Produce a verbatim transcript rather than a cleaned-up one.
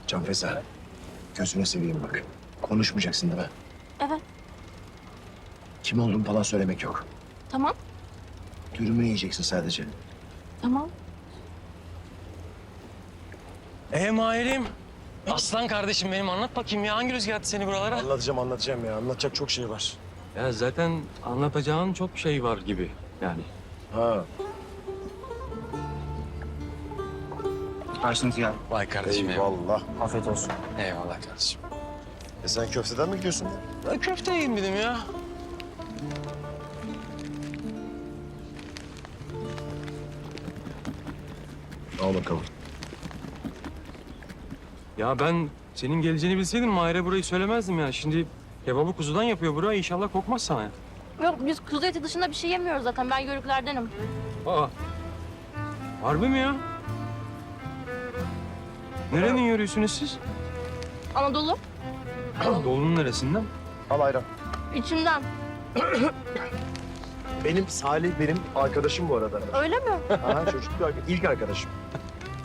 Can Feza, gözüne seveyim bak. Konuşmayacaksın değil mi? Evet, Kim olduğunu falan söylemek yok. tamam, Dürümünü yiyeceksin sadece. tamam. Ee Mahir'im. Aslan kardeşim benim, anlat bakayım ya. Hangi rüzgar attı seni buralara? Anlatacağım anlatacağım ya. Anlatacak çok şey var. Ya zaten anlatacağın çok şey var gibi yani. Ha. Karşınız geldi. Vay kardeşim eyvallah. Eyvallah. Afiyet olsun. Eyvallah kardeşim. E sen köfteden mi gidiyorsun? Ben köfte yiyeyim dedim ya. Al bakalım. Ya ben senin geleceğini bilseydim Mahir'e burayı söylemezdim ya. Şimdi kebabı kuzudan yapıyor burayı. İnşallah kokmaz sana ya. Yok, biz kuzu eti dışında bir şey yemiyoruz zaten. Ben yörüklerdenim. Aa. Harbi mi ya? Nerenin yürüyorsunuz siz? Anadolu, Doğunun neresinden? Al ayran. içimden. Benim Salih benim arkadaşım bu arada. Öyle mi? Ha çocukluk arkadaşım. İlk arkadaşım.